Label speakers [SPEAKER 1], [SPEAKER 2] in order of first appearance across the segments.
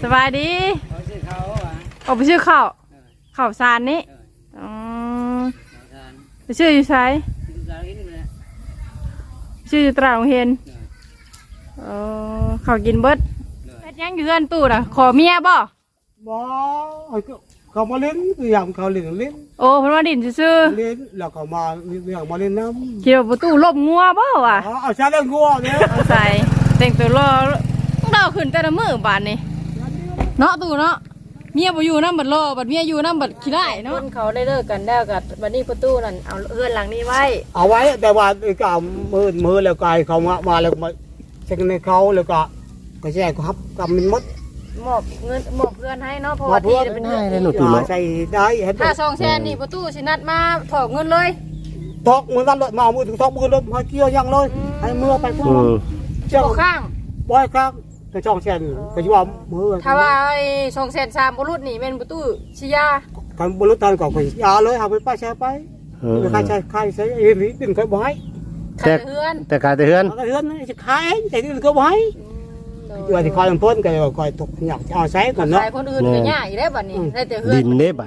[SPEAKER 1] สบายดี
[SPEAKER 2] เขาชื่อเขา
[SPEAKER 1] ออกไปชื่อข้าวสารนี่อ๋อไปชื่ออยู่ไสชื่ออยู่ตราดโรงเรียนเขากินเบิดเฮ็ดยังอยู่เรือนตู้น่ะขอเมียบ่
[SPEAKER 3] เขามาเล่นอย่างเขาเล่น
[SPEAKER 1] โอ้เพิ่นมาดินซื่อ
[SPEAKER 3] เล่นแล้วเขามาอย่างมาเล่นน้ำ
[SPEAKER 1] คิดว่าประตูลบงัวบ่วะ
[SPEAKER 3] เอาชาเล่นงัวเนี่ย
[SPEAKER 1] เอาใส่แต่งตัวรอต้องเดาขึ้นแต่ละมื้อบาดนี้เนาะตู้เนาะเมียบ่อยู่นำบัดรอบัดเมียอยู่นำบัดขี้ได้เนาะเขาได้เลิกกันแล้วกับบัดนี้ประตูนั่นเอาเฮือนหลังนี้ไว้
[SPEAKER 3] เอาไว้แต่ว่าก็มือแล้วกายเขามาแล้วมาเช็คในเขาแล้วก็แช่ก็ครับกำมันมด
[SPEAKER 1] มอบเงินมอบเพื่อนให้เนาะเพราะว่าที่เป็นเงิน
[SPEAKER 3] ให้หนูตื่นใส่ได้
[SPEAKER 1] ถ้า2แสนนี่ประตูสินัดมาถอกเงินเลย
[SPEAKER 3] ทอกมือนั่นเลยมามือถึงทอกมือเลยมาเกี่ยวยังเลยให้มือไปพวก
[SPEAKER 1] เจ้าข้าง
[SPEAKER 3] บ่อยข้างจะช่องเช่นก็จะว่ามือ
[SPEAKER 1] ถ้าว่า2แสน3บุรุษนี่เป็นประตูชิยา
[SPEAKER 3] การบุรุษทานก่อนก็ยาเลยเอาไปป้าแช่ไปใครใช้เอ็นนี่ดึงเขาบ่อย
[SPEAKER 4] แต่การเฮือน
[SPEAKER 3] จะขายแต่ดึงเขาบ่อยอยู่ที่คอยพ้นก็คอยตกหยักเอาใช้ก่อนเนาะ
[SPEAKER 1] ขายคนอื่นก็ยากอีกแล้วบัดนี้ได้แต่เฮือน
[SPEAKER 4] ดินเด้บัด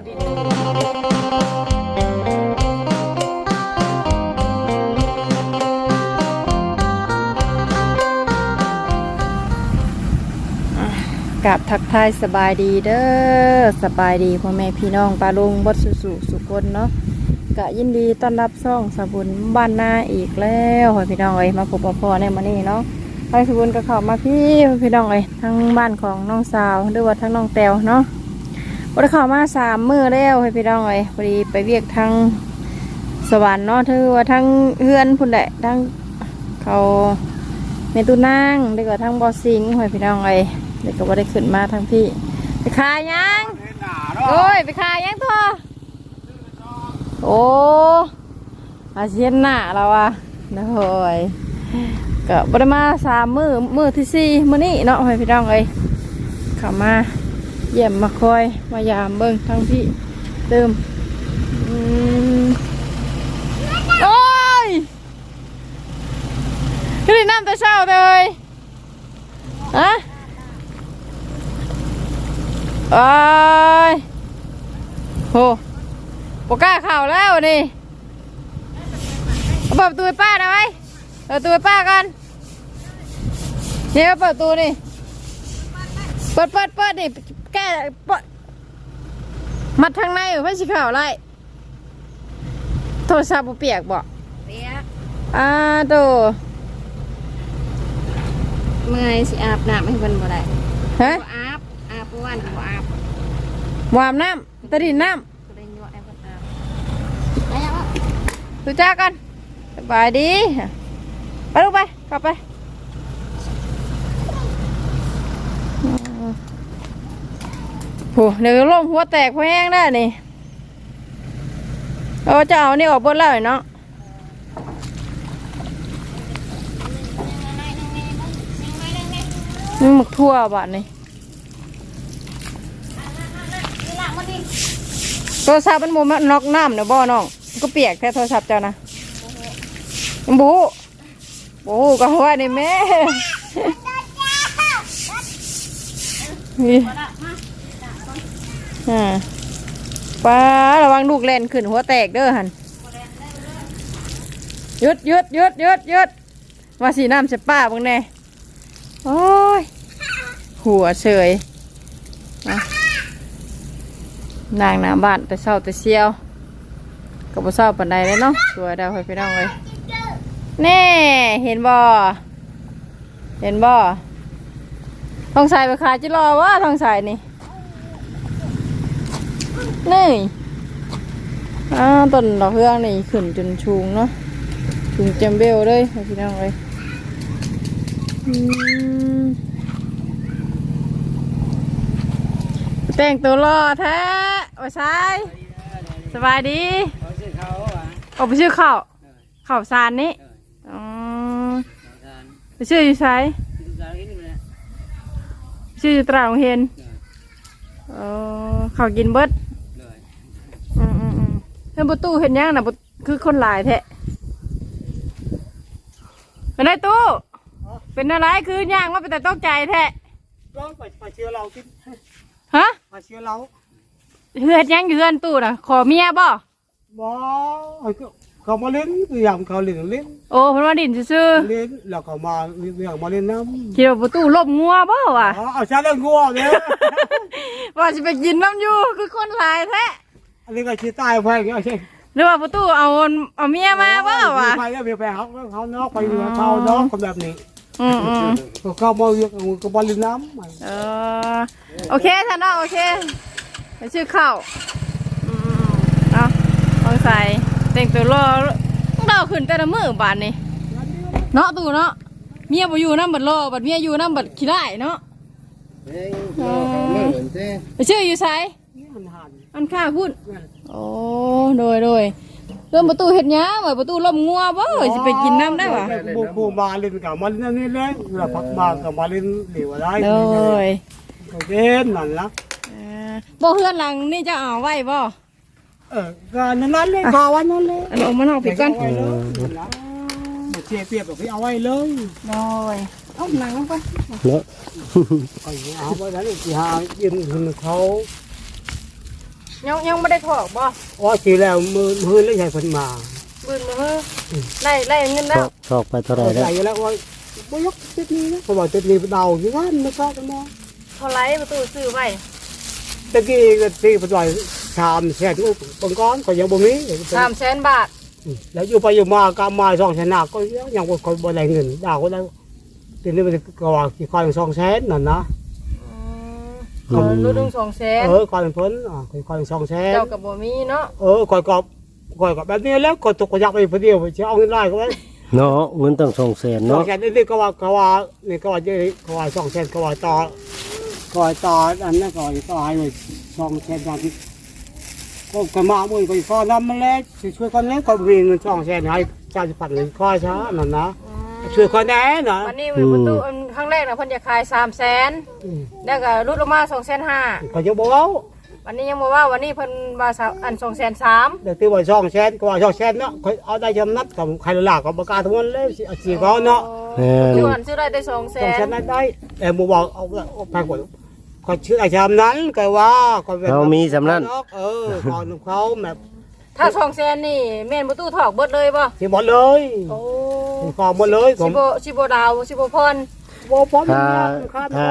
[SPEAKER 1] กับทักทายสบายดีเด้อสบายดีพ่อแม่พี่น้องปาลุงบดสุคนเนาะกะยินดีต้อนรับซ่องสบุญบ้านนาอีกแล้วพี่น้องเอ้ยมาพบพ่อในมื้อนี้เนาะไปสบุญก็เข้ามาพี่น้องเอ้ยทั้งบ้านของน้องสาวหรือว่าทั้งน้องแต้วเนาะบ่ได้เข้ามา3 มื้อแล้วพี่น้องเอ้ยพอดีไปเวียกทางสวรรค์เนาะถือว่าทั้งเฮือนพุ่นแหละทั้งเขาเมตุนางได้ก็ทั้งบ่อสิงพี่น้องเอ้ยเด็กก็บ่ได้ขึ้นมาทั้งพี่ไปขายยังโอ้ยไปขายยังทั่วโอ้อาเซียนหน้าเราอะนะโอ้ยก็บ่ได้มา3 มื้อที่4มื้อนี้เนาะพี่น้องเอ้ยเข้ามาเยี่ยมมาคอยมายามเบิ่งทั้งพี่เติมโอ้ยขึ้นน้ำแต่เช้าเลยฮะโอ้ยโหปกล้าเข่าแล้วนี่เปิดประตูป้าได้ไหมเปิดประตูป้ากันเนี่ยเปิดประตูนี่เปิดนี่แก้มัดทางในอยู่เพื่อสิเข่าไรโทรศัพท์เปียกบ่เปียกโตเมื่อยสิอาบน้ำให้เพิ่นบ่ได้ฮะอาบวันบ่อาบวามน้ำตะดินน้ำดูจ้ากันสบายดีไปลูกไปกลับไปโหเดี๋ยวลมหัวแตกหัวแห้งได้นี่จะเอานี่ออกบนแล้วเนาะนี่หมึกทั่วบาทนี่โทรศัพท์มันโมมันน็อกน้ำเดี๋ยวบ่อน้องก็เปียกแค่โทรศัพท์เจ้านะบูก็หัวนี่แม่นี่ป้าระวังลูกเล่นขึ้นหัวแตกเด้อหันหยุดว่าสีน้ำจะป้าบ้างแน่โอ้ยหัวเฉยนางหน้าบ้านแต่เศร้าแต่เชียวกับบ่เศร้าปานใดเลยเนาะสวยดาวไปน้องเลยแน่เห็นบ่ทองสายไปขายจิรอว่าทองสายนี่ต้นดอกเฮืองนี่ขึ้นจนชูงเนาะชูงเจมเบลเลยพี่น้องเลยแต่งตัวรอแท้โอ้ใช่สบายดี
[SPEAKER 2] เขาชื่อเขา
[SPEAKER 1] ออกไปชื่อข้าวสารนี่ไปชื่ออยู่ไสชื่ออยู่ตราดโรงเรียนเขากินเบิดเห็นประตูเห็นยังนะคือคนหลายแท้เป็นไรตู้เป็นอะไรคือย่างว่าเป็นแต่ต้องใจแท้
[SPEAKER 3] ร้องไปเชื่อเรากิน
[SPEAKER 1] ฮะ
[SPEAKER 3] ไปเชื่อเรา
[SPEAKER 1] เฮือนยังอยู่เฮือนตู้น่ะขอเมียบ่
[SPEAKER 3] บ่เขามาเล่นอย่างเขาเล่น
[SPEAKER 1] โอ้เพิ่นว่าดินซื่อ
[SPEAKER 3] เล่นแล้วเขามาเรื่องมาเล่นน้ำ
[SPEAKER 1] ๆคิดว่าประตูลบงัวบ่วะ
[SPEAKER 3] เอาชาเล่นงัวเนี่ย
[SPEAKER 1] ว่าสิไปกินน้ำอยู่คือคนหลายแท้
[SPEAKER 3] อันนี้ก็ชี้ตายไปอย่างเงี้ยใช่
[SPEAKER 1] หรือว่าประตูเอาเมียมาบ่วะ
[SPEAKER 3] ไปแล้วไปเขานอกไปเขานอกคนแบบนี้
[SPEAKER 1] อืม
[SPEAKER 3] เขามาเรื่องก็บอลน้ำ
[SPEAKER 1] โอเคท่านน้องโอเคไปชื่อข้าวเนาะต้องใส่แต่งตัวรอต้องเดาขึ้นแต่ละมื้อบาดนี้เนาะตู่เนาะเมียบ่อยู่นำบัดรอบัดเมียอยู่นำบัดขี้ได้เนาะไปชื่ออยู่ไสอันข้าพุ่นโอ้โดยเรื่องประตูเฮ็ดหยังว่าประตูล้มงัวบ่สิไปกินน้ำได้วะ
[SPEAKER 3] บูมาเล่นกับมันนี่เลยเราพักมากับมาเล่นเหลวอะไร
[SPEAKER 1] โดย
[SPEAKER 3] เล่นนั่นละ
[SPEAKER 1] บ่เฮือนหลังนี่จะเอาไว้บ่
[SPEAKER 3] ก็นั่นเลยข่าววันนั้นเลย
[SPEAKER 1] อันออกมานอกไปก่อน
[SPEAKER 3] เชียร์เปียกกับพี่เอาไว้เลย
[SPEAKER 1] โดยเอาหนังลงไป
[SPEAKER 4] เนาะ
[SPEAKER 3] เอาไว้นั้นที่หายืนเขา
[SPEAKER 1] ยังไม่ได้ถอกบ่
[SPEAKER 3] อ๋อทีแล้วมือเล่นใหญ่คนมา
[SPEAKER 1] บืนมาเฮ้ไล่เงินแล้ว
[SPEAKER 4] ชอบไปเท่าไหร่แล้ว
[SPEAKER 3] ใหญ่แล้วว่าไม่ยกเจ็ดนี้นะเขาบอกเจ็ดนี้เดาอยู่นั่นไม่ชอบกันมอง
[SPEAKER 1] เท่าไรประตูซื้อไว้
[SPEAKER 3] ตะกี้ก็ตีไปลอยชามแช่ทุกปังก้อนก็ยังบ่มี
[SPEAKER 1] 300,000 บาท
[SPEAKER 3] แล้วอยู่ไปอยู่มากำมาสองชนะก็ยังบ่คนบ่ได้เงินดาวก็ได้ทีนี้มันก็ว่ากี่คอย200,000นั่นนะ
[SPEAKER 1] รู้ถึง200,000
[SPEAKER 3] คอยเพิ่นคอย200,000
[SPEAKER 1] เจ้ากับบ่มีเนาะ
[SPEAKER 3] คอยก็แบบนี้แล้วก็ตกก็อยากไปผู้เดียวจะเอาเงินได้ก็ได้
[SPEAKER 4] เนาะเงินต้อง200,000
[SPEAKER 3] เนาะ
[SPEAKER 4] เนาะ
[SPEAKER 3] แค่นี้ก็ว่านี่ก็ว่าเยอะก็ว่า200,000ก็ว่าต่ออันนั้นก็ต่อให้เลย200,000อย่างที่ก็มามื้อก็ขอนำมาแล้วช่วยกันแล้วก็มีเงิน200,000ให้ชาวพันเลยคอยช้านั่นนะช่วยคนแน่นะ
[SPEAKER 1] วันนี้ประตูครั้งแรกน่ะเพิ่นจะขาย300,000แล้วก็ลดลงมา250,000
[SPEAKER 3] ก็จะบอกว่า
[SPEAKER 1] วันนี้ยังบ่ว่าวันนี้เพิ่นว่าอัน230,000
[SPEAKER 3] เดี๋ยวตีว่า200,000ก็ว่า200,000เนาะเอาได้จำนัดกับใครหลักก็ประกาศทั้งวันเลยสิเขาเนาะ
[SPEAKER 4] แม่น
[SPEAKER 1] อยู่อันซื้อได้200,000
[SPEAKER 3] ได้แต่บ่บอกเอาไปกว่าก็ชื่อไอ้ชามนั้นก็ว่าก็
[SPEAKER 4] เรามีสำนั้น
[SPEAKER 3] ก่อนเขาแบบ
[SPEAKER 1] ถ้า200,000นี่แม่นประตูถอกเบิดเลยบ่
[SPEAKER 3] สิหมดเลย
[SPEAKER 1] โอ้
[SPEAKER 3] ขอหมดเลยผม
[SPEAKER 1] สิบ่ดาวสิบ่พร
[SPEAKER 3] บ่พร้อม
[SPEAKER 4] ถ้า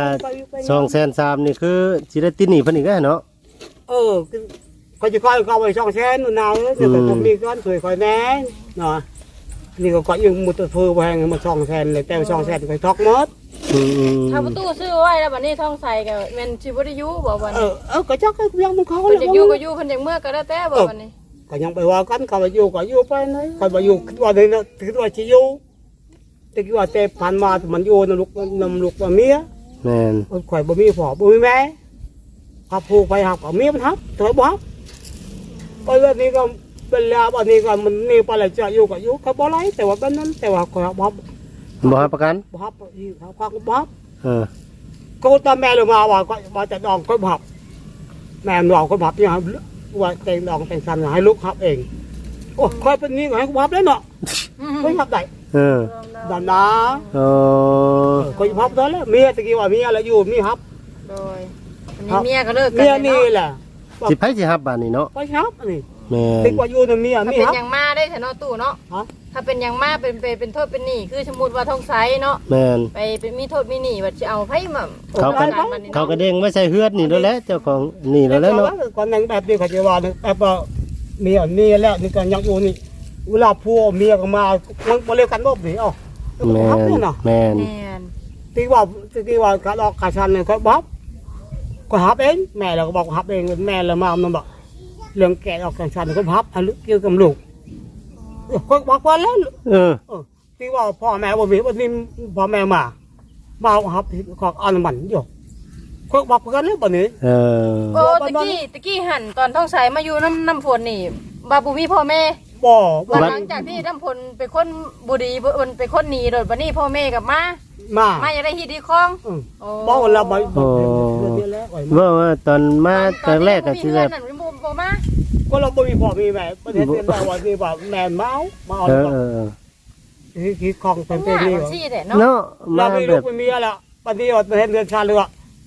[SPEAKER 4] 230,000นี่คือสิได้ติดหนี้เพิ่นอีกแล้วเนาะ
[SPEAKER 3] ก็จะคอยเข้าไป200,000นู่นน่ะเดี๋ยวผมมีก้อนสวยคอยแน่เนาะนี่ก็ก็ยังมุดเฟือแพงมา200,000เลยแต่200,000ก็ทอกหมด
[SPEAKER 1] ถ้าประตูซื้อไว้แล้วบัดนี้ท้องใส่ก็แม่นสิบ่ได้อยู่บ่วันนี้
[SPEAKER 3] ก็จักก็ยังมันเขา
[SPEAKER 1] เพิ่นจะอยู่ก็อยู่เพิ่นจังเมื่อก็ได้แต่บ่วันนี้
[SPEAKER 3] ก็ยังไปว่ากันเขาไปอยู่ก็อยู่ไปนะเขาไปอยู่คิดว่าเนี่ยคิดว่าจะอยู่แต่คิดว่าแต่ผ่านมามันอยู่นลูกเมีย
[SPEAKER 4] แม่น
[SPEAKER 3] ข่อยบ่มีพ่อบ่มีแม่ขับผูกไปหักเอาเมียมันทับถอยบ่ฮับไปแบบนี้ก็เป็นแล้วอันนี้ก็มันนี่ไปแล้วจะอยู่ก็อยู่เขาบ่ไรแต่ว่าเป็นนั้นแต่ว่าข่อยบ่ฮับ
[SPEAKER 4] บ่ให้ประกัน
[SPEAKER 3] บ่ฮับอีเขาพักบ่ฮับ
[SPEAKER 4] เออ
[SPEAKER 3] ก็ตามแม่ลงมาว่าก็ว่าจะดองก็บ่ฮับแม่ดองก็บ่ฮับอย่างว่าแต่งดองแต่งสันให้ลูกฮับเองโอ้ค่อยเป็นนี้ก็ให้บ่ฮับแล้วเนาะไม่ฮับได้
[SPEAKER 4] เออ
[SPEAKER 3] ดันนะ
[SPEAKER 4] โอ้
[SPEAKER 3] ก็อยู่ฮับได้แล้วเมียตะกี้ว่าเมียแล้วอยู่มีฮับ
[SPEAKER 1] โดยอันนี้เมียก็เลิกกั
[SPEAKER 3] เมีย
[SPEAKER 1] น
[SPEAKER 3] นี่
[SPEAKER 1] เนาะ
[SPEAKER 3] แหละ
[SPEAKER 4] สิไผสิฮับบัดนี้เนาะ
[SPEAKER 3] ไปฮับนี่
[SPEAKER 4] แม่
[SPEAKER 3] ติ
[SPEAKER 4] น
[SPEAKER 3] กว่าอยู่ในเมีย
[SPEAKER 1] ถ้า
[SPEAKER 3] มี
[SPEAKER 1] เป็น
[SPEAKER 3] ฮับ
[SPEAKER 1] อย่างมาได้แต่เนาะตู้เนาะ
[SPEAKER 3] ฮะ
[SPEAKER 1] ถ้าเป็นอย่างมาเป็นโทษเป็นหนี้คือสมมุติว่าท้องไสเนาะ
[SPEAKER 4] แม่น
[SPEAKER 1] ไปเป็นมีโทษมีหนี้ว่าสิเอาไผมา
[SPEAKER 4] เขาก็เด้งไว้ใส่เฮือดนี่แล้วแหละเจ้าของนี่แล้วแหละเนาะ
[SPEAKER 3] ก่อนนั้นแบบนี้เขาจะว่าแบบว่าเมียนี่แล้วนี่ก็ยังอยู่นี่เวลาผัวเมียก็มาเรียกกันบ่นี่เอ้า
[SPEAKER 4] แม่
[SPEAKER 3] ฮับ
[SPEAKER 4] น
[SPEAKER 3] นี่เนาะ
[SPEAKER 4] แม่น
[SPEAKER 1] แม่น
[SPEAKER 3] ตีว่าการออกกาชันเนี่ยก็บ๊อบก็ฮับเองแม่เราก็บอกฮับเองแม่เรามามันบอกเรื่องแกะออกกาชันก็ฮับอันเกี่ยวกับลูกก็บอกว่าแล้ว
[SPEAKER 4] เออ
[SPEAKER 3] ที่ว่าพ่อแม่บ่มีวันนี้พ่อแม่มาฮับของอันมันอยู่ก็บอกกันแล้วบ่นี้
[SPEAKER 4] เออ
[SPEAKER 1] โอ้ตะกี้หันตอนท้องใสมาอยู่น้ำฝนนี่บาบุมีพ่อแม่
[SPEAKER 3] บ่
[SPEAKER 1] วันหลังจากที่น้ำฝนเป็นคนบุรีเป็นคนหนีโดยบัดนี้พ่อแม่กับมา
[SPEAKER 3] มา
[SPEAKER 1] อยากได้ฮีดีคลอง
[SPEAKER 3] บ่เราบ่
[SPEAKER 4] ว่าตอนมาตอนแรกก็สิแบบ
[SPEAKER 1] นั่นบ่มา
[SPEAKER 3] ก็เราบ่มีพ่อมีแม่ประเทศเรียนได้ว่านี่ว่าแม่เมาเอา
[SPEAKER 4] เออ
[SPEAKER 3] ที่ของเป็นนี่
[SPEAKER 1] ซี่แหละ
[SPEAKER 4] เนาะ
[SPEAKER 3] เรา
[SPEAKER 4] มา
[SPEAKER 3] มี
[SPEAKER 4] แบ
[SPEAKER 3] ลูก
[SPEAKER 4] บ
[SPEAKER 3] มีเมียแล้วปฏิวัติประเทศเรือนชาเรือ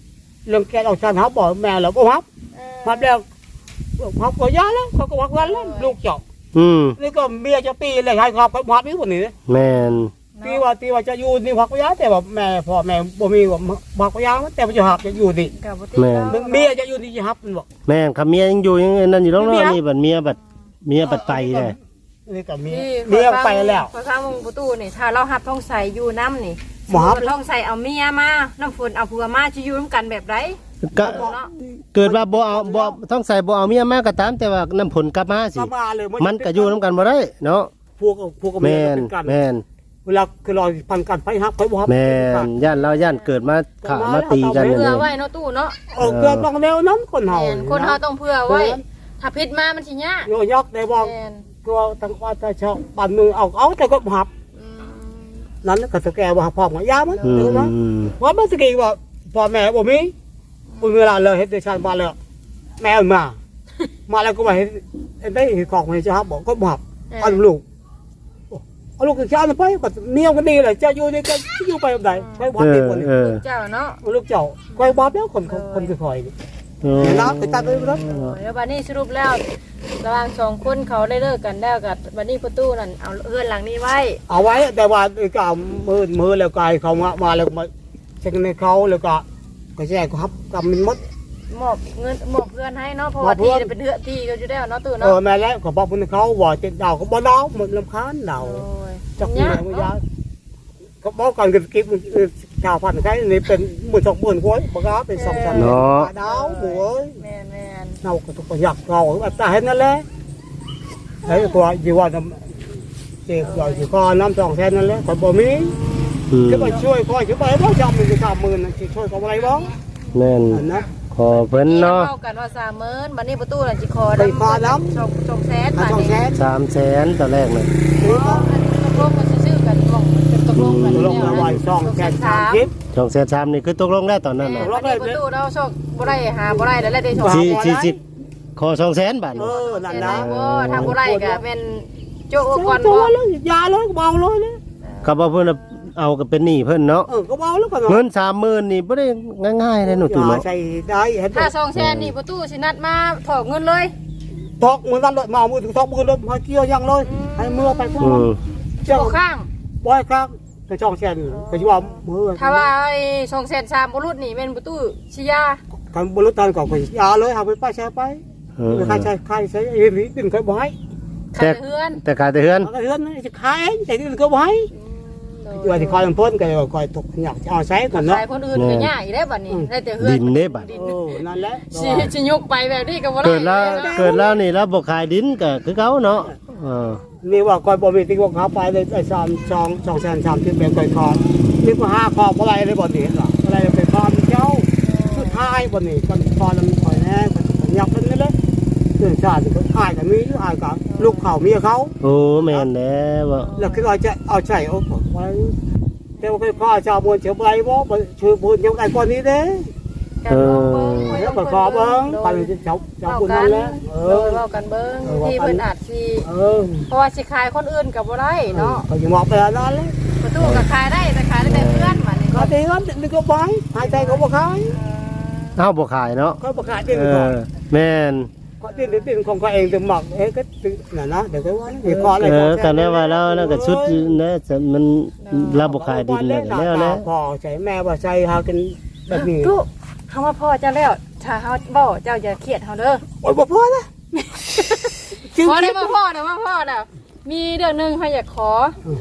[SPEAKER 3] เรื่องแกเอาชันฮับบอกแม่เราก็ฮับฮับแล้วฮับก็ยาแล้วเขาก็วักวันแล้วลูกเจาะนี่ก็เมียจะตีเลยให้ครับเขาฮับนี่คนนี้
[SPEAKER 4] แม่น
[SPEAKER 3] ตีว่าจะอยู่นี่ฮักก็ยาแต่ว่าแม่พ่อแม่บ่มีว่าฮักก็ยาแต่ว่าจะฮับจะอยู่ดิเมียจะอยู่นี่จะฮับมันบอก
[SPEAKER 4] แม่นคำเมียยังอยู่ยังนั่นอยู่เนาะนี่บัดเมียบัดไปเลย
[SPEAKER 3] นี่ก็เมียไปแล้ว
[SPEAKER 1] พอฟังวงประตูนี่ถ้าเราหับท้องใส่อยู่น้ำนี่
[SPEAKER 3] บ่ฮับ
[SPEAKER 1] ท้องใส่เอาเมียมาน้ำฝนเอาผัวมาจะอยู่ร่วมกันแบบไร
[SPEAKER 4] ก็เกิดว่าบ่เอาบ่ต้องใส่บ่เอาเมียมาก็ตามแต่ว่าน้ำผลกลับมาสิ
[SPEAKER 3] มาเลย
[SPEAKER 4] มันก็อยู่นํกันบ่ได้เนาะ
[SPEAKER 3] พวกกับเมี
[SPEAKER 4] แม่
[SPEAKER 3] ย
[SPEAKER 4] น
[SPEAKER 3] เป็นกัน
[SPEAKER 4] แม่น
[SPEAKER 3] เวลาคือรอพันกันไปฮับไปบ่ฮับ
[SPEAKER 4] แม่นย่านเราย่านเกิดมาขามาตีกันอย่าง
[SPEAKER 1] เพื่อ
[SPEAKER 4] นี้
[SPEAKER 1] ไว้เนาะตู้เนาะ
[SPEAKER 3] เกิดต้องแล้วนั้นคนเฮา
[SPEAKER 1] คนเฮาต้องเพื่อไว้ถ้าพิษมามันสิยาก
[SPEAKER 3] โยยักได้บ่ก็ตั้งว่าจะชอบปั่นมือเอาแต่ก็ฮับนั้นก็สแกว่าพ่อมายามันดูนะว่ามันสกีว่าพ่อแม่บ่มีเวลาเลยเฮ็ดชาติมาแล้วแม่มาแล้วก็มาเฮ็ดได้ของให้จะฮับบอกก็ฮับเอาลูกเอาลูกกับชาติไปก็เมียก็ดีเลยจะอยู่ได้ก็อยู่ไปแบบใดไปบ่ดีกว่านี้
[SPEAKER 1] เจ้าเนาะ
[SPEAKER 3] ลูกเจ้าก็บ่แล้วคนคือคอยนี่นะไปตัดไปรถ
[SPEAKER 1] แล้วบัดนี้สรุปแล้วระหว่างสองคนเขาได้เลิกกันแล้วกับบัดนี้ประตูนั่นเอาเฮือนหลังนี้ไว้
[SPEAKER 3] เอาไว้แต่ว่าก็มือแล้วกายเขามาแล้วมาเช็คในเขาแล้วก็แจ้งครับกำมันมด
[SPEAKER 1] มอบเงินมอบเพื่อนให้เนาะเพราะว่าที่เป็นเฮือที่ก็อยู่แล้วเนาะตู้เนาะ
[SPEAKER 3] แม่แล้วก็บอกเพื่อนเขาว่าจะดาวก็บ่ดาวหมดลำคาญดาวจักแม่ก็ยาเขาบอกกันกันกิ๊บชาวพันธุ์ใครนี่เป็น10,000 กว่าบ่กล้าเป็น2,000ดาวโว้ย
[SPEAKER 1] แม่น
[SPEAKER 3] เราก็ต้องอยากเราแบบตาเห็นนั่นแหละไอ้ตัวอยู่ว่าเจ็บอยู่ก็น้ำ2 แสนนั่นแหละก็บ่มีจะไปช่วยคอยจะไปบ่จำมันจะ30,000น่ะสิช่วยเขาอะไรบ้าง
[SPEAKER 4] แม่น
[SPEAKER 3] นะ
[SPEAKER 4] ขอเพิ่น
[SPEAKER 1] ๆ
[SPEAKER 4] เนาะ
[SPEAKER 1] เข้ากันว่า30,000บัดนี้ประตูน่ะสิขอ
[SPEAKER 3] ไปขอน้
[SPEAKER 1] 2แสน
[SPEAKER 3] ำ
[SPEAKER 1] บาท
[SPEAKER 3] 2
[SPEAKER 1] นี่
[SPEAKER 3] แสน
[SPEAKER 4] 300,000ตอนแรกน่ะ
[SPEAKER 1] ตกลงกันซื่อๆกันบอกเป็นตกลงกัน
[SPEAKER 3] ลงมาไว้2 แสน30
[SPEAKER 4] 200,000นี่คือตกลงได้ตอนนั้นน่ะ
[SPEAKER 1] บัดนี้ประตูเราโชคบ่ได้หาบ่ได้แล้วได้2
[SPEAKER 4] สิขอ200,000บาท
[SPEAKER 3] นั่น
[SPEAKER 1] ได้
[SPEAKER 3] นะ
[SPEAKER 1] บ่ทางบ่ได้ก็เป็นโจ๊กก่อน
[SPEAKER 3] ตั
[SPEAKER 1] บ่
[SPEAKER 3] วเลยยาเลยเบาเลยนะ
[SPEAKER 4] ก็บ่เพิ่นเอาก็เป็นหนี้เพิ่นเนาะ
[SPEAKER 3] ก็เบาแล้วก็
[SPEAKER 4] เงิน 30,000นี่บ่ได้ง่ายๆเลยหนูตู่เนาะ
[SPEAKER 3] ใส่ได้เห็น
[SPEAKER 1] ถ้า2แสนนี่ประตูสินัดมาถอกเงินเลย
[SPEAKER 3] ทอกมือนั่นเลยมามือถึงทอกมือเลยมาเกี่ยวยังเลยให้มือไปก่อนเจ้า
[SPEAKER 1] บ่ข้าง
[SPEAKER 3] บ่อยครับกระช่องแสนก็สิว่ามือ
[SPEAKER 1] ถ้าว่าไอ้2แสน3บ่รุดนี่แม่นประตูสิยา
[SPEAKER 3] กันบรุษตันก็ไปยาเลยหาไปป้าแชร์ไปใครใช้เอ็นนี่ดึงเคยบ่ให้
[SPEAKER 1] ขายเฮือน
[SPEAKER 4] แต่ขายแต่เฮือน
[SPEAKER 3] ก็เฮือนจะขายแต่ดึงก็บ่ให้อยู่ที่คอยเพิ่นก็คอยตกอยากเอาใช้ก่อนเนาะ
[SPEAKER 1] ขายคนอื่นก็ยากอีแล้วบัดนี้ได้แต่เฮือน
[SPEAKER 4] ดินเด้บัด
[SPEAKER 3] นั่นแหละ
[SPEAKER 1] สิยกไปแบบนี้ก็บ่ได้
[SPEAKER 4] เกิดแล้วนี่แล้วบ่ขายดินก็คือเก่าเนาะ
[SPEAKER 3] นี่ว่าคอยบ่มีที่ว่าเขาไปเลยไอ้2แสน30เป็นคอยคอนี่ก็5คออะไรเลยบ่นี่หรออะไรเป็นคอเจ้าสุดท้ายบ่นี่ก็คอมันคอยแน่อยากเป็นนี่เลยเรื่องชาติก็อายกับมีอายกับลูกเขาเมียเขา
[SPEAKER 4] โอ้แม่นแล้วบ่
[SPEAKER 3] แล้วคือว่าจะเอาใจเอาไว้แต่ว่าพ่อชาวบนเชียวใบบ่ชื่อบุญยังไงก่อนนี้เด้ แล้วก็ขอเบิ้งไปเจ้าคุณนั่นแหละ
[SPEAKER 1] เว้ากันเบิ่งที่เพิ่นอาจสิ เพราะว่าสิขายคนอื่นก็บ่ได้เนาะ
[SPEAKER 3] ก็อยู่มองไปแล้วนั่นแหละ
[SPEAKER 1] ประตูก็ขายได้แต่ขายได้แต่เพื่อนบัดนี้
[SPEAKER 3] ก็ตีกันนึกก็ไปหายใจก็บ่ขาย
[SPEAKER 4] เฮาบ่ขายเนาะ
[SPEAKER 3] ก็บ่ขายดิ้นก่อน
[SPEAKER 4] แม่น
[SPEAKER 3] ก็ดิ้นของเขาเองถึงหมักก็น่ะนะเดี๋ยวก็ว่าเดี๋ยวขออะไร
[SPEAKER 4] กันได้ว่าแล้วนั่นก็ชุดนะมันเราบ่ขายดินแล้วแล้ว
[SPEAKER 3] พ่อใช้แม่ว่าใช้หากันแบบนี้
[SPEAKER 1] ตู้คำว่าพ่อเจ้าแล้วถ้าเฮาบ่เจ้าอย่าเครียดเฮาเด้อ
[SPEAKER 3] โอ้ยบ่พอนะ
[SPEAKER 1] พอได้มาพ่อนะว่าพ่อน่ะมีเรื่องนึงเฮาอยากขอ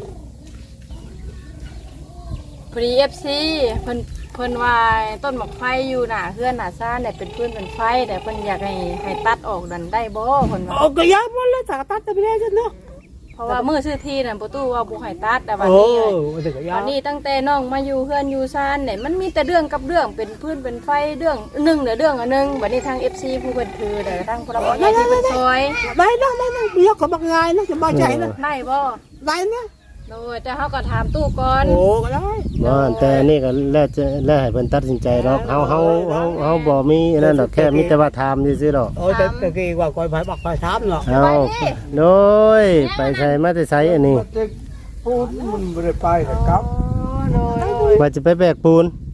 [SPEAKER 1] พอดี FC เพิ่นว่าต้นหมอกไฟอยู่หน้าเฮือนหน้าซ่านเนี่ยเป็นพื้นเป็นไฟแต่เพิ่นอยากให้ตัดออกดันได้บ่เพิ่นว่า
[SPEAKER 3] โอ้ก็ยากหมดเลยถ้าตัดไปได้จังเนาะ
[SPEAKER 1] เพราะว่ามื้อซื้อที่นั่นประตูว่าบ่ให้ตัดแต่วัน
[SPEAKER 3] โอ้
[SPEAKER 1] นี้
[SPEAKER 3] ก็ยาก
[SPEAKER 1] วันนี้ตั้งแต่น้องมาอยู่เฮือนอยู่ซ่านเนี่ยมันมีแต่เรื่องกับเรื่องเป็นพื้นเป็นไฟเรื่องหนึ่งเดี๋ยวเรื่องอันนึงบัดนี้ทาง FC ผู้เพิ่นถือเดี๋ยวทางพลเมืองที่เพิ่นซอย
[SPEAKER 3] ได้เมียก็บักง่ายนะจะบ่ใจนะ
[SPEAKER 1] ได้บ่
[SPEAKER 3] ได้นะ
[SPEAKER 1] โดยแต่เฮาก็ถามตู้ก่อน
[SPEAKER 3] โอ้ก็ได้
[SPEAKER 4] บ่แต่นี่ก็แล้วให้เพิ่นตัดสินใจดอกเฮาบ่มีนั่นดอกแค่มีแต่ว่าถามซื่อๆดอก
[SPEAKER 3] โอ้แต่ตะกี้ว่าคอยไปบักไปถามเนาะ
[SPEAKER 4] เอาโดยไปใส่มาแต่ไสอันนี้
[SPEAKER 3] พูดมันบ่ได้ไปแต่ครับ
[SPEAKER 1] โดย
[SPEAKER 4] ว่าจะไปแบกปูน
[SPEAKER 1] แต่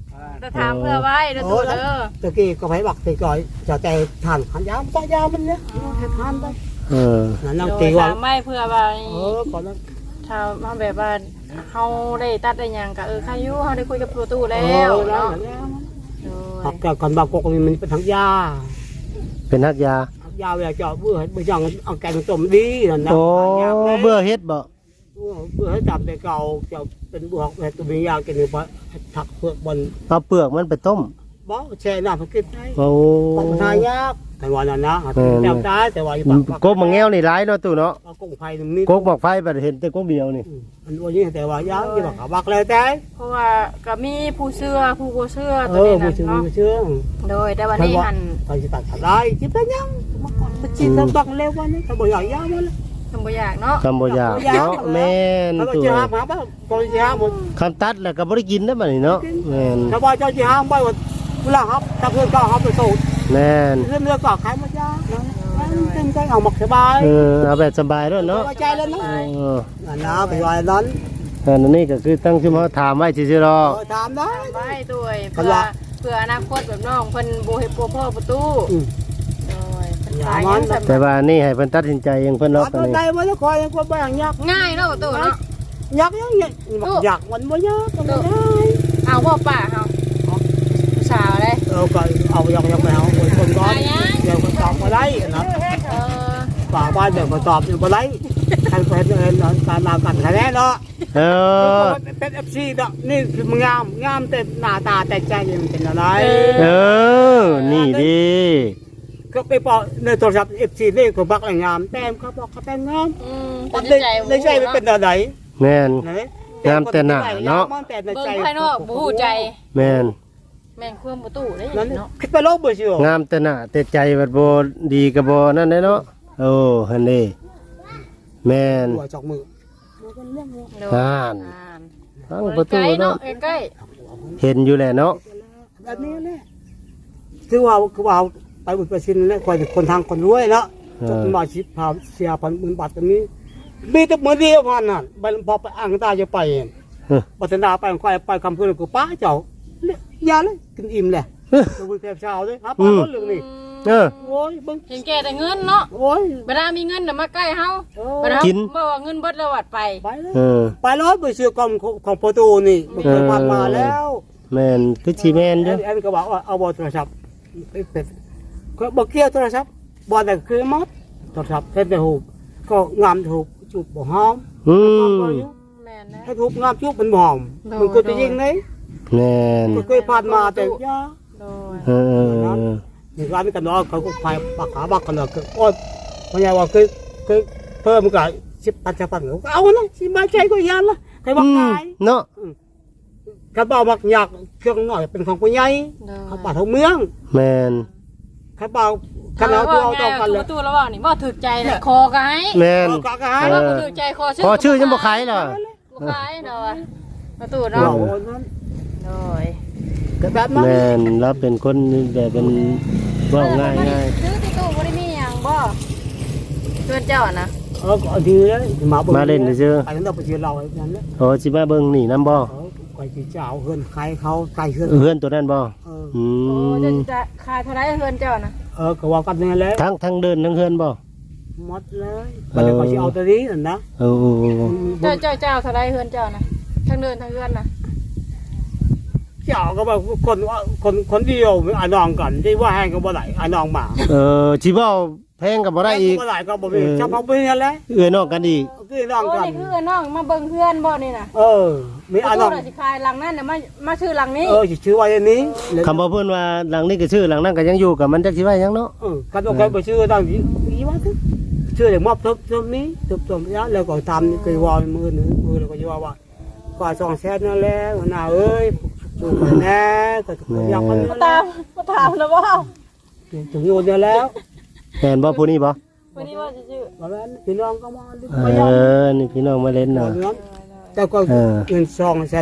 [SPEAKER 1] ถามเพื่อไว้เด้อตู้เด้อ
[SPEAKER 3] ตะกี้ก็ไปบักตีก่อยจะแต่ทานขันยามตายามันเนี่ยให้ทานไป นั่นนั่งตีว่า
[SPEAKER 1] ถามไม่เพื่อว่า
[SPEAKER 3] ก่อนนั้น
[SPEAKER 1] ถ้ามาแบบว่าเฮาได้ตัดได้หยังก็ใครอยู่เฮาได้คุยกับตู้แล้วเนาะ
[SPEAKER 3] หักแก่ก่อนบางกอกมันเป็นทั้งยา
[SPEAKER 4] เป็นนักยา
[SPEAKER 3] ยาเวลาเจาะเบื่อจังเอาแกงต้มดีนั่นนะ
[SPEAKER 4] โอ้เบื่อเฮ็ดบ่
[SPEAKER 3] เบื่อให้จับแต่เก่าจะเป็นบวกแต่ตัวมียากินไปถักเปลือกบน
[SPEAKER 4] เอาเปลือกมันไปต้ม
[SPEAKER 3] บ่แช่น้ำกินได้
[SPEAKER 4] โอ้
[SPEAKER 3] ต้องทายากแต่ว่านั่นนะแต่ตายแต่ว่าอยู่ปาก
[SPEAKER 4] กบมังแง้วนี่หลายเนาะตู่เนาะ
[SPEAKER 3] กุ้งไฟนี่
[SPEAKER 4] กบบอกไฟบัดเห็นแต่กบเดียวนี่
[SPEAKER 3] อันนี้แต่ว่ายาที่บักบักเลยแต่
[SPEAKER 1] เพราะว่าก็มีผู้เชื่อผู้บ่เชื่อตัวนี้
[SPEAKER 3] ผู้
[SPEAKER 1] นั่น
[SPEAKER 3] ชื่อ
[SPEAKER 1] เนาะ
[SPEAKER 3] ผู้ชื่อ
[SPEAKER 1] โดยแต่วันนี้หัน
[SPEAKER 3] ตอนจะตัดได้ที่เป็นยังมาก่อนไปจีนต้องเร็ววันนี้เขาบอกอย่างยามัน
[SPEAKER 1] ทำบ่อยากเนาะ
[SPEAKER 4] คำบ่อยากเนาะแม่น
[SPEAKER 3] เขาบอก
[SPEAKER 4] ตู่
[SPEAKER 3] จะหาบ้างตอนจะหาหมด
[SPEAKER 4] คำตัดแล้วก็บ่ได้กินได้อบัดนี้เนาะแม่น
[SPEAKER 3] เขาบอกจะหาไปว่าเวลาครับถ้าเพื่อนก็เขาไปสูด
[SPEAKER 4] แม่น
[SPEAKER 3] เรื่องเรือก็ขายมายาเต็มใจเอาหมกสบาย
[SPEAKER 4] เอาแบบสบายด้วยเนาะ
[SPEAKER 3] ใจแล้วนะนั่นนะไปว่านั้น
[SPEAKER 4] อันนี้ก็คือตั้งชื่อเขาถามไว้ซื่อๆหรอก
[SPEAKER 3] ถามได้
[SPEAKER 1] ไว้ด้วยเพื่ออนาคตแบบน้องเพิ่นบ่เฮ็ดพ่อประตูโดยเพิ่นขายยังสำ
[SPEAKER 4] แต่ว่านี่ให้เพิ่นตัดสินใจเองเพิ่นเนาะตอน
[SPEAKER 3] ตัว
[SPEAKER 4] นี้
[SPEAKER 3] ใดมันจะคอยยังคนบ้างยาก
[SPEAKER 1] ง่ายเนาะประตูเนาะ
[SPEAKER 3] ยากยังยากมันไม่ยากก็ไม่ได้
[SPEAKER 1] เอาบ่ป้าเฮาผู้สาวเลย
[SPEAKER 3] ก็เอายังไม่เอาคนก้อนเดี๋ยวมันตอบมาได้นะ
[SPEAKER 1] เออ
[SPEAKER 3] ป่าบ้านเดี๋ยวมาตอบอยู่มาได้ใครเป็นการมากันแค่เนาะ
[SPEAKER 4] เออ
[SPEAKER 3] เป็นFC เนาะนี่คือมันงามแต่หน้าตาแต่ใจมันเป็นอะไร
[SPEAKER 4] เออ นี่ดิ
[SPEAKER 3] ก็ไปบอกในโทรศัพท์ FC นี่ก็บักแรงงามแต้มเขาบอกเขาแต้มงาม ในใจมันเป็นอะไร
[SPEAKER 4] แม่น งามแต่หน้าเนาะ
[SPEAKER 3] แต่ใน
[SPEAKER 1] เบิ่
[SPEAKER 3] ใจ
[SPEAKER 1] งภายนอกบ่ฮู้ใจ
[SPEAKER 4] แม่น
[SPEAKER 1] แม่นความประตูได้
[SPEAKER 3] นั้น
[SPEAKER 1] เนาะ
[SPEAKER 3] คิดไปโลกเบื่อเชียว
[SPEAKER 4] งามแต่หน้าแต่ใจบัดบ่ดีก็บ่นั่นเด้เนาะโอ้หั่นเด้แม่น
[SPEAKER 3] หัวจอกมือ
[SPEAKER 4] อ่านทั้งประตู
[SPEAKER 1] ใกล้เนาะ
[SPEAKER 4] เนาะ
[SPEAKER 1] ใกล้
[SPEAKER 4] เห็นอยู่แหละเนาะ
[SPEAKER 3] แบบนี้แหละคือว่าไปบุญประชินแล้วคนทางคนรวยเนาะจดมาชิพาเสีย10,000 บาทตรงนี้มีแต่มือเดียวพันนั่นพอไปอ่างตาจะไปปัตนาไปค่อยไปคำพูดกูป้าเจ้ายาเลยกินอิ่มแหละจะบุญแทบเช้าด้วยครับป้าเรื่องนี้
[SPEAKER 4] เออ
[SPEAKER 3] โอ้ยบึ้ง
[SPEAKER 1] เห็นแก่แต่เงินเนาะ
[SPEAKER 3] โอ้ย
[SPEAKER 1] เวลามีเงินน่ะมาใกล้เฮาเวลา
[SPEAKER 4] กิน
[SPEAKER 1] บ่ว่าเงินเบิดแล้ววัดไป
[SPEAKER 3] ไปเลย
[SPEAKER 4] เออ
[SPEAKER 3] ไปร้อยไปเชื่อกรมของประตูนี่มันเคยผ่านมาแล้ว
[SPEAKER 4] แม่นคือสิแม่นเด้อ
[SPEAKER 3] อันนี้ก็บอกว่าเอาบอโทรศัพท์เป็นก็บอกเกี่ยวโทรศัพท์บอแต่คือมดโทรศัพท์เส้นแต่หูก็งามถูกจูบบ่หอม
[SPEAKER 4] อืม
[SPEAKER 1] แม่นนะ
[SPEAKER 3] ถ้าถูกงามจูบมันหอมมันก็จะยิงเลย
[SPEAKER 4] แม่น
[SPEAKER 3] ก็เคยผ่านมาแต่ยา
[SPEAKER 1] โดย
[SPEAKER 4] เออ
[SPEAKER 3] ในร้านกันเนาะเขาก็พายปากขาบักกันเนาะคือโอ้ยพญาว่าเคยเพิ่มกัน10,000เอานะสิมาใจก็ยันละใครบอกตาย
[SPEAKER 4] เนาะ
[SPEAKER 3] เขาบอกมักอยากเครื่องหน่อยเป็นของผู้ใหญ่
[SPEAKER 1] โดย
[SPEAKER 3] เขาป่าทางเมือง
[SPEAKER 4] แม่น
[SPEAKER 3] เขาบอกกันเอาตัวเอาต้องกันเลย
[SPEAKER 1] ประตูแล้วว่านี่บ่ถูกใจเลยคอก็ให้
[SPEAKER 4] แม่น
[SPEAKER 3] กะกะ
[SPEAKER 1] ถ้าว่าบ่ถูกใจคอ
[SPEAKER 4] พอชื่อยังบ่ขายเหรอ
[SPEAKER 1] บ่ขายเนาะประตู
[SPEAKER 3] เรา
[SPEAKER 1] เนาะ
[SPEAKER 3] นั้น
[SPEAKER 1] โดย
[SPEAKER 3] ก็แบบนั้น
[SPEAKER 4] แม่นแล้วเป็นคนแบบเป็นเว่าง่ายง่าย
[SPEAKER 1] ซื้อที่ตู้บ่ได้มีหยังบ่เพื่อนเจ้านะ
[SPEAKER 3] ก็ดีเลยไปนั้นเราไปเจอเราอย่างนั้น
[SPEAKER 4] โอ้สิมาเบิ่งนี่นำบ่
[SPEAKER 3] ไปจีเจ้าเฮือนใครเขาใครเฮือน
[SPEAKER 4] เฮือนตัวนั้นบ่อื
[SPEAKER 1] โอ้
[SPEAKER 4] ม
[SPEAKER 1] จะขายเท่าไหร่เพื่อนเจ้านะ
[SPEAKER 3] ก็ว่ากันนี่แหละ
[SPEAKER 4] ทั้งเดินทั้งเฮือนบ่
[SPEAKER 3] หมดเลยมันก็จะเอาตัวนี้นะ
[SPEAKER 4] โอ้
[SPEAKER 1] เจ้าเท่าไหร่เพื่อนเจ้านะทั้งเดินทั้งเพื่อนนะ
[SPEAKER 3] เจ้าก็แบบคนเดียวอ่านองกันที่ว่าแห้งก็บ่ได้อ่านองหมา
[SPEAKER 4] สิเว้าแพงก็บ่ได้อีก
[SPEAKER 3] บ่ได้ก็บ่มีชาวบ้านเป็นนั่นแหละ
[SPEAKER 4] เอื้อนอกกันอีก
[SPEAKER 3] คือน้อง
[SPEAKER 1] โอ้
[SPEAKER 3] กัน
[SPEAKER 1] นี่คือน้องมาเบิ่งเพื่อนบ่นี่นะ
[SPEAKER 3] มีอ่านอง
[SPEAKER 1] สิขายหลังนั้นน่ะมาชื่อหลังนี้
[SPEAKER 3] ชื่อว่าอย่างนี้
[SPEAKER 4] คำว่าเพิ่นว่าหลังนี้ก็ชื่อหลังนั้นก็ยังอยู่กับมันจักสิว่าหยังเนาะ
[SPEAKER 3] กันต้องการไปชื่อดังนี้ว่าชื่ออย่างมอบทุบนี้ทุบยะแล้วก็ทำคือวอลมือแล้วก็จะว่าก็200,000นั่นแหละน่าเอ้ยถูกแน่ก็อยากคนนี้
[SPEAKER 1] มาถามแล้วว่า
[SPEAKER 3] ถึงอยู่เดียวแล้ว
[SPEAKER 4] แม่นบ่ผู้นี้บ่
[SPEAKER 1] วันนี้ว่าจะชื่อ
[SPEAKER 3] เพราะฉะนั้นพี่น้องก็มา
[SPEAKER 4] นี่พี่น้องมาเล่นเนาะ
[SPEAKER 3] แต่ก็เงิน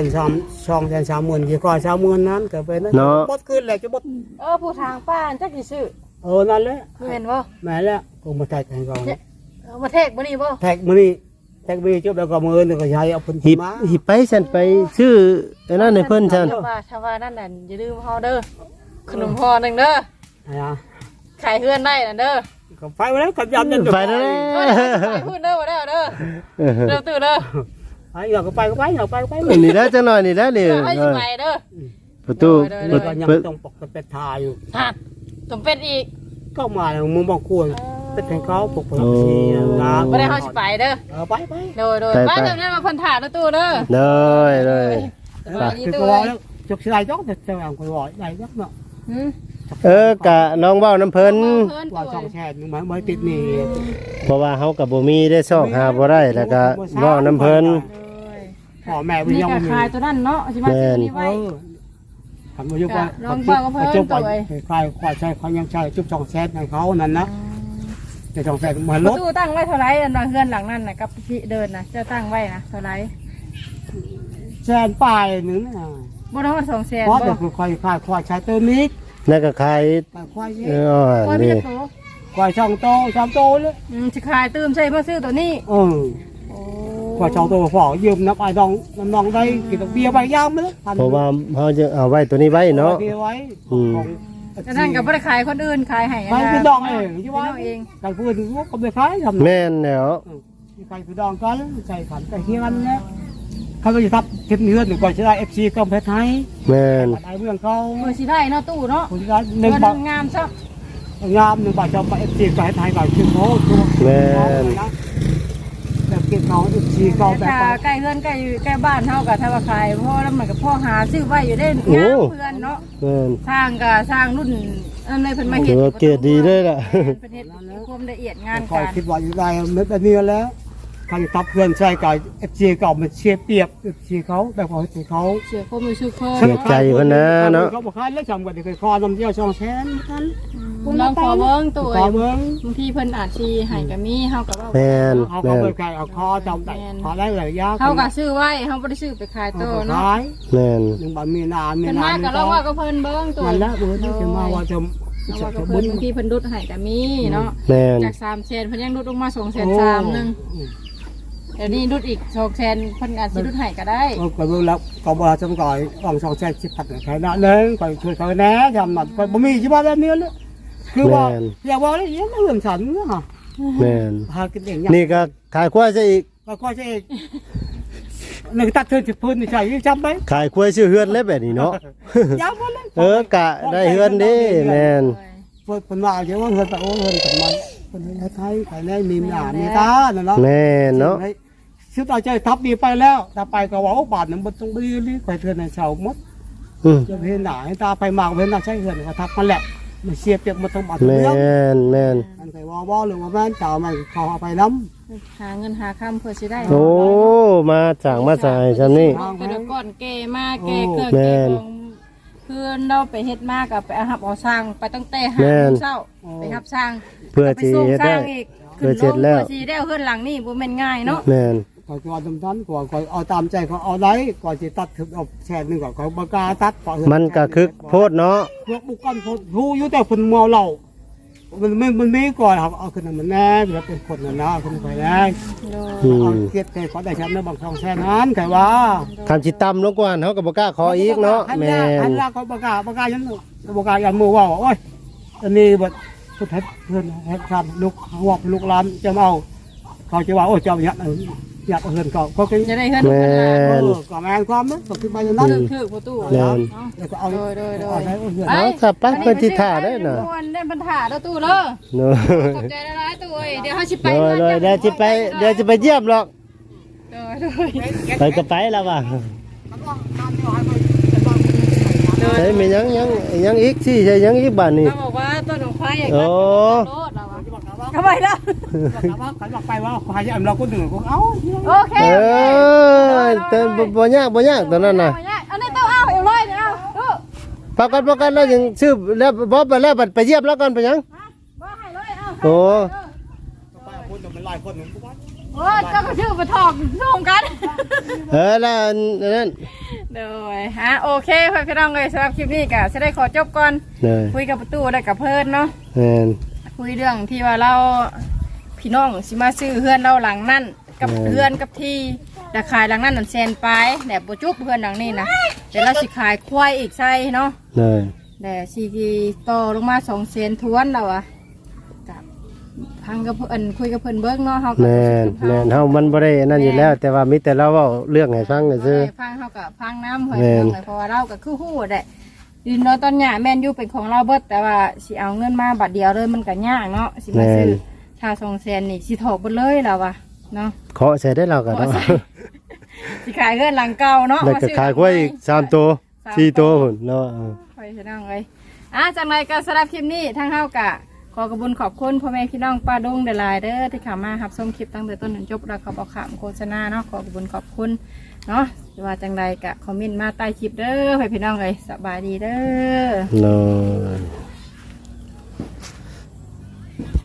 [SPEAKER 3] 230,000ที่ก็30,000นั้นก็เป็นนั้นบดขึ้นแหละจะบด
[SPEAKER 1] ผู้ทางป้าจักสิชื่อ
[SPEAKER 3] นั่นแหละ
[SPEAKER 1] แม่นบ่
[SPEAKER 3] แม่แล้วก็มาแท็กให้เขา
[SPEAKER 1] มาเทกบ่นี่บ่
[SPEAKER 3] แท็กมื้อนี้แต่บีจุบแล้วก็มือนึงก็ใช้เอาเพิ่น
[SPEAKER 4] หิบ
[SPEAKER 3] มา
[SPEAKER 4] หิบไปฉันไปชื่อไอ้นั่นให้เพิ่นฉัน
[SPEAKER 1] ชาวานั่นน่ะอย่าลืมเฮาเด้อขนมห่อหนึงเด้อ
[SPEAKER 3] นะ
[SPEAKER 1] ขายเฮือนได้น่ะเด้อ
[SPEAKER 3] ก็ไปแล้วกับยำนั่น
[SPEAKER 4] ไปแล้ว
[SPEAKER 1] ไปพูดเด้อบ่ได้เด้อเด้อตื่นเด้อ
[SPEAKER 3] ไอ้เราก็ไปก็ไปเราไปก็ไป
[SPEAKER 4] นี่แล้วจังหน่อยนี่แล้วนี่
[SPEAKER 1] ให้สิไปเด้อ
[SPEAKER 4] ประตู
[SPEAKER 3] เปิดยังต้องปกเป็นทาอยู่
[SPEAKER 1] หักตมเป็ดอีก
[SPEAKER 3] ก็มาแล้วมึงบอกควรเป็นแทงเขาปกเป็นทีนะ
[SPEAKER 1] บ่ได้เฮาสิไปเด้อ
[SPEAKER 3] ไปไป
[SPEAKER 1] โดยไปเดี๋ยวนั้นมาเพิ่นถ่าเด้อตู้เด้อ
[SPEAKER 4] เลย
[SPEAKER 1] สบายดี
[SPEAKER 3] คือ
[SPEAKER 1] ตู้
[SPEAKER 3] ก็
[SPEAKER 1] เอ้
[SPEAKER 3] แล้วจกสลายจ้องแต่เจ้าอย่างคนบอกไหนยักเนาะ
[SPEAKER 4] กะน้องเว้าน้ำเพิ่น
[SPEAKER 3] ว่าช่องแชร์ไม่ติดนี่
[SPEAKER 4] เพราะว่าเฮากับบ่มีได้ซอกหาบ่ได้แล้วก็เว้าน้ำเพิ่น
[SPEAKER 3] พ่อแม่วิญ
[SPEAKER 1] นี่
[SPEAKER 3] ญาณ
[SPEAKER 1] ก็
[SPEAKER 3] มัน
[SPEAKER 1] ขายตัวนั้นเนาะสิมาซื้อนี่ไว้
[SPEAKER 3] ทำมายุกว่าจุบไปใครควายใช้เขายังใช้จุบช่องแชร์ในเขานั่นนะแต่ช่องแชร์มันลด
[SPEAKER 1] ตู้ตั้งไว้เท่าไหร่อันเฮือนหลังนั้นน่ะกับที่เดินน่ะเจ้าตั้งไว้นะเท่าไหร่
[SPEAKER 3] แชร์ปลายนึงนะ
[SPEAKER 1] บ่ได้ว่า200,000
[SPEAKER 3] เพราะ
[SPEAKER 1] บ่
[SPEAKER 3] เดี๋ยวควายใช้เติมนิด
[SPEAKER 4] แล้วก็ขาย
[SPEAKER 3] ควาย
[SPEAKER 1] โอ้ยมี
[SPEAKER 4] นี่
[SPEAKER 1] แต่โต
[SPEAKER 3] ควายช่องโตช่องโตเลย
[SPEAKER 1] สิขายตื้มใส่มาซื้อตัวนี้
[SPEAKER 3] โควายช่องโตฝอยืมน้ำไอ้น้องได้กินเบียร์ใบยามมั้ย
[SPEAKER 4] เพราะว่าเฮาจะเอาไว้ตัวนี้ไว้เนาะ
[SPEAKER 3] เบียร์ไว้
[SPEAKER 1] แต่ท่านก็บ่ได้ขายคนอื่นขายให้
[SPEAKER 3] ใครคือดองเอง
[SPEAKER 1] พี่
[SPEAKER 3] ใช่
[SPEAKER 1] น้
[SPEAKER 3] ไหม
[SPEAKER 1] องเอง
[SPEAKER 3] ใครพูดก็ไม่คล้ายทำ
[SPEAKER 4] แม่นแล้ว
[SPEAKER 3] ใครคือดองกันใส่ขันใส่เฮียนนะเขาจะทับเก็บเนื้อหนึ่งก่อนจะได้ FC ก็เพชรไทย
[SPEAKER 4] แม่น
[SPEAKER 3] ไอ้เมืองเขา
[SPEAKER 1] เมื่อสิได้เนาะตู้เนาะ
[SPEAKER 3] คนที่หนึ่ง
[SPEAKER 1] เงิน
[SPEAKER 3] บาท
[SPEAKER 1] งามซับ
[SPEAKER 3] งามหนึ่งบาทจะไป FC ก็ให้ไทยก่อนคือเขาตัว
[SPEAKER 4] แม่น
[SPEAKER 3] แบบเก็บเขา FC ก็แบบ
[SPEAKER 1] ถ้าใกล้เฮือนใกล้บ้านเฮาก็ถ้าว่าขายพ่อแล้วมันก็พ่อหาซื้อไว้อยู่ได้งามเพื่อนเนาะ
[SPEAKER 4] แม่น
[SPEAKER 1] สร้างก็สร้างรุ่นอันนี้เพิ่นมาเฮ็
[SPEAKER 4] ถื
[SPEAKER 1] ด
[SPEAKER 4] อว่าเกรดดีเลยล่ะ
[SPEAKER 1] เพิ่นเฮ็ดความละเอียดงาน
[SPEAKER 3] คอย
[SPEAKER 1] การ
[SPEAKER 3] คิดว่าอยู่ได้แบบนี้แล้วใครทับเพื่อนใช่กับ FC ก็มันเชียร์เปรียบ FC เขาแบบเขา FC เขา
[SPEAKER 1] เชื่อความรู้สึกเพิ่น
[SPEAKER 4] เสียใจเพิ่นนะเนาะ
[SPEAKER 3] เขาบอกให้แล้วจำกันเคยคอนำเที่ยวช่องแชนกัน
[SPEAKER 1] ลองขอเบิ่งตู้
[SPEAKER 3] ขอเบิ้ง
[SPEAKER 1] บางทีเพิ่นอาจสิให้ก็มีเฮาก็ว่า
[SPEAKER 4] แม่น
[SPEAKER 3] เขา
[SPEAKER 4] แม่น
[SPEAKER 3] เปิดไก่เอาคอจำได้ขอได้หลายยาก
[SPEAKER 1] เฮาก็ซื้อไว้เฮาบ่ได้ซื้อไปขายโตเนาะ
[SPEAKER 3] ขาย
[SPEAKER 4] แม่น
[SPEAKER 3] หนึ่งบาทมีนานมี
[SPEAKER 1] เพิ่น
[SPEAKER 3] นา
[SPEAKER 1] มาน ก็ลองว่าก็เพิ่นเบิ่งตู้
[SPEAKER 3] นั่นแหละเบิ้งจะมาว่าจะ
[SPEAKER 1] เอาว่าก็เพิ่นบางทีเพิ่นดุดให้ก็มีเนาะ
[SPEAKER 4] แม่น
[SPEAKER 1] จาก3แสนเพิ่นยังดุดลงมา2.3นึงเดี๋ยวนี้ดุดอีก2แสนเพิ่นอาจสิดุดให้ก็ได้
[SPEAKER 3] ก็เบิ้งแล้วก็บอกจำก่อยของช่องแชนสิบพันใครน่ะเลยก่อยช่วยเขาแน่จำหนักก่อยบ่มีที่ว่าแบบนี้เลยคือว่าอยากว่าอะไรยังไม่เรื่องฉันเนาะ
[SPEAKER 4] แม่น
[SPEAKER 3] หากินเอง
[SPEAKER 4] นี่ก็ขายควายซะอีก
[SPEAKER 3] ก็จะเองหนึ่งตัดเธอจะพื้นใช่จำไหม
[SPEAKER 4] ขายควายชื่อเฮือนแล้วแบบนี้เนาะ
[SPEAKER 3] ย้ำว่าเลย
[SPEAKER 4] กะได้เฮือนเด้แม่น
[SPEAKER 3] เปิดผลว่าเยอะว่าเงินแต่โอ้เงินกับมันคนไทยใครได้มีหนามีตาเนาะ
[SPEAKER 4] แม่นเนาะ
[SPEAKER 3] ชื่อต่อใจทับดีไปแล้วถ้าไปก็ว่าบาทหนึ่งมันต้องดีรีไปเทือนในเสาหมด
[SPEAKER 4] อืม
[SPEAKER 3] จะเห็นหนาให้ตาไปมากเห็นหนาใช่เงินก็ทับมันแหละมันเสียเปรียบมันต้องบาท
[SPEAKER 4] แม่
[SPEAKER 3] เดียวน
[SPEAKER 4] แม่น
[SPEAKER 3] อันใส่ว่าหรือว่าแม่นจ่ามันเขาเอาไปน้
[SPEAKER 1] หาเงินหาคำเพื่อสิได้
[SPEAKER 4] โอ้มาจากมาจ่ายซำนี่
[SPEAKER 1] แต่เดี๋ยวก่อนแกมาแกเครื่อง
[SPEAKER 4] แม่
[SPEAKER 1] แก
[SPEAKER 4] น
[SPEAKER 1] ของเพื่อนเราไปเฮ็ดมากกับไปหับเอาสร้างไปตั้งแต่หา
[SPEAKER 4] แม่น
[SPEAKER 1] เช้าไปหับสร้าง
[SPEAKER 4] เพื่อ
[SPEAKER 1] ไป
[SPEAKER 4] สิ
[SPEAKER 1] ส่ง
[SPEAKER 4] เฮ็ด
[SPEAKER 1] สร้า
[SPEAKER 4] ได้
[SPEAKER 1] งอีก
[SPEAKER 4] เพื่อเสร็จแล้ว
[SPEAKER 1] เพื่อสิได้เอาเฮือนหลังนี่บ่แม่นง่ายเนาะ
[SPEAKER 4] แม่น
[SPEAKER 3] ำก่อนก่อนทำทันก่อนเอาตามใจเขาเอาได้ก่อนจะตัดถึงเอาแชร์หนึ่งก่อนเขาบกาตัด
[SPEAKER 4] มันก็คึกโพดเนาะ
[SPEAKER 3] พวกบุกกันผู้อยู่แต่คนเมาเหล้ามันไม่ก่อนครับเอาขึ้นมันแน่แล้วเป็นคนน่ะนะคนไปแน่
[SPEAKER 4] อืม
[SPEAKER 3] เอาเกียรติใจเขาได้แชมป์ในบางช่องแช่นั้นใครว่า
[SPEAKER 4] คำสิต่ำลงกว่าเฮาก็บ่กล้าขออีกเนาะแม่
[SPEAKER 3] อั
[SPEAKER 4] น
[SPEAKER 3] นแรกเขาประกาศยันยันมือว่าโอ้ยอันนี้แบบสุดท้ายเพื่อนให้ทำลูกวอกลูกหลานจะเอาเขาจะว่าโอ้ยเจ้าเนี่ยอยากเฮือนเขาก็คือ
[SPEAKER 1] จะได้เฮือน
[SPEAKER 4] แม่
[SPEAKER 1] เฮือนหลัง
[SPEAKER 4] น
[SPEAKER 3] ก็แมนความนั้นก็คือไปอย่างนั้น
[SPEAKER 1] คือประตู
[SPEAKER 4] แม่น
[SPEAKER 3] แล้วก็เอา
[SPEAKER 1] โดย
[SPEAKER 3] เอาได้เฮือน
[SPEAKER 4] เอาครับไปเพิ่นสิท่าได้น่ะ
[SPEAKER 1] เล่นปัญหาแล้วตู้เด้อ
[SPEAKER 4] เนาะ
[SPEAKER 1] ขอบใจหลายๆตู้เอ้ยเดี๋ยวเฮาสิไป
[SPEAKER 4] เลยเดี๋ยวสิไปเดี๋ยวสิไปเยี่ยมหรอก
[SPEAKER 1] โดย
[SPEAKER 4] ไปก็ไปแล้วว่ะใช่มียังอีกสิใช่ยังอีกบ้านนี่
[SPEAKER 1] เขาบอกว่าต้นของควายอยาก
[SPEAKER 4] โอ้
[SPEAKER 1] โลดเราทำไมล่ะ
[SPEAKER 3] เขาบอกไปว่าใครจะเราก็หนึ่งก็เอา
[SPEAKER 1] โอเค
[SPEAKER 4] แต่บ่ยากตอนนั้นน่ะ
[SPEAKER 1] อันนี้ต้องเอาเอาเลยเอาดู
[SPEAKER 4] พากันแล้วยังซื้อแล้วบ่ไปแล้วบัดไปเยี่ยมแล้วก่อนไปยัง
[SPEAKER 1] ว่าให้เลยเอา
[SPEAKER 4] โอ้
[SPEAKER 3] ไปคนเป็นลายคนหนึ่ง
[SPEAKER 1] โอ้เจ้าก็ชื่อมาถอกส่งกัน
[SPEAKER 4] แล้วอันนั้น
[SPEAKER 1] เดี๋ยวฮะโอเคพี่น้องเลยสำหรับคลิปนี้ก็จะได้ขอจบก่อน
[SPEAKER 4] เลย
[SPEAKER 1] คุยกับประตูได้กับเพิ่นเนาะ
[SPEAKER 4] แม่น
[SPEAKER 1] คุยเรื่องที่ว่าเราพี่น้องสิมาซื้อเฮือนเราหลังนั่นกับเพื่อนกับที่แต่ขายหลังนั้นนั่นแสนไปแต่บ่จุบเพื่อนหลังนี้นะแต่เราสิขายควายอีกใช่เนาะ
[SPEAKER 4] เลย
[SPEAKER 1] แต่สิต่อลงมา2 แสนทวนแล้วอะกับพังกับเพิ่นคุยกับเพิ่นเบิ่งเนาะเฮาก็
[SPEAKER 4] แม่นแม่นเฮามันบ่ได้นั่นอยู่แล้ว แต่ว่ามีแต่เราเว้าเรื่องให้ฟังซื่อ
[SPEAKER 1] ฟังเฮาก็ฟังน้ำเพิ่น
[SPEAKER 4] แม่น
[SPEAKER 1] เพราะว่าเราก็คือฮู้ได้ดินเนาะตอนหญ้าแม่นอยู่เป็นของเราเบิดแต่ว่าสิเอาเงินมาบัดเดียวเลยมันก็ยากเนาะสิมาซื้อถ้า2 แสนนี่สิถอกเบิดเลยแล้วว่ะเนาะ
[SPEAKER 4] เคาะใส่ได้เราก็เนาะ
[SPEAKER 1] สิขายเงินหลังเก่าเนาะ
[SPEAKER 4] แล้วก็ขายกล้วยอีก3ตัว4ตัวพุ่นเนาะ
[SPEAKER 1] ไปพี่น้องเอ้ยจังไรก็สำหรับคลิปนี้ทางเฮากะขอกระบุญขอบคุณพ่อแม่พี่น้องป้าดุงเดลายเด้อที่เข้ามารับชมคลิปตั้งแต่ต้นถึงจบแล้วเขาบอกขามโฆษณาเนาะขอกระบุญขอบคุณเนาะว่าจังไรกะคอมเมนต์มาใต้คลิปเด้อให้พี่น้องเอ้ยสบายดีเด้อ
[SPEAKER 4] เนาะ